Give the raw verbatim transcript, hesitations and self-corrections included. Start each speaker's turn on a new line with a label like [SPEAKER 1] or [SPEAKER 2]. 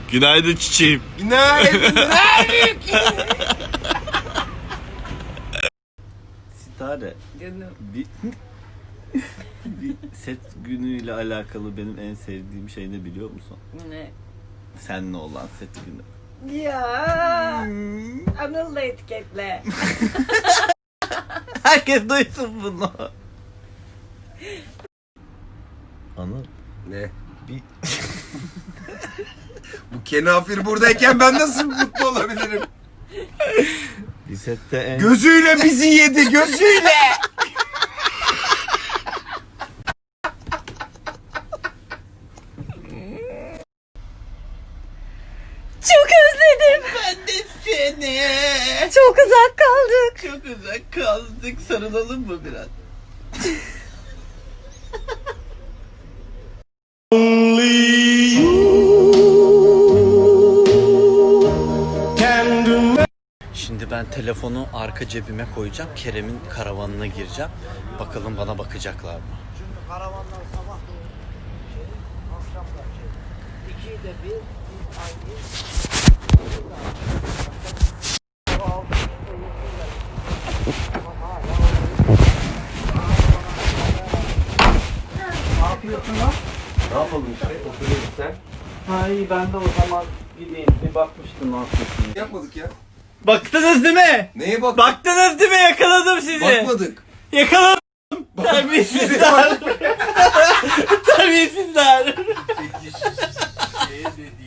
[SPEAKER 1] Günaydın çiçeğim.
[SPEAKER 2] Günaydın. Günaydın.
[SPEAKER 1] Sitare.
[SPEAKER 3] Canım.
[SPEAKER 1] Bir, bir set günüyle alakalı benim en sevdiğim şey ne biliyor musun?
[SPEAKER 3] Ne?
[SPEAKER 1] Seninle olan set günü.
[SPEAKER 3] Ya. Anıl'la etiketle.
[SPEAKER 1] Herkes duysun bunu. Anıl.
[SPEAKER 2] Ne?
[SPEAKER 1] Bir...
[SPEAKER 2] Bu kenafir buradayken ben nasıl mutlu olabilirim?
[SPEAKER 1] bir sette en...
[SPEAKER 2] Gözüyle bizi yedi, gözüyle.
[SPEAKER 3] Çok özledim.
[SPEAKER 1] Ben de seni.
[SPEAKER 3] Çok uzak kaldık.
[SPEAKER 1] Çok uzak kaldık. Sarılalım mı biraz? Şimdi ben telefonu arka cebime koyacağım. Kerem'in karavanına gireceğim. Bakalım bana bakacaklar mı?
[SPEAKER 4] Çünkü karavanlar sabah şey, akşamlar şey. İkiyi de bir, bir aynı. Ne yapıyorsun lan?
[SPEAKER 2] Ne yapalım işte? Oturuyoruz sen.
[SPEAKER 4] Ha iyi ben de o zaman gideyim. Bir bakmıştım ne yapıyorsun.
[SPEAKER 2] Yapmadık ya.
[SPEAKER 1] Baktınız değil mi?
[SPEAKER 2] Neye bak?
[SPEAKER 1] Baktınız değil mi? Yakaladım sizi.
[SPEAKER 2] Bakmadık.
[SPEAKER 1] Yakaladım. Terbiyesizler. Terbiyesizler.
[SPEAKER 2] Peki şu şeye ne diyeyim?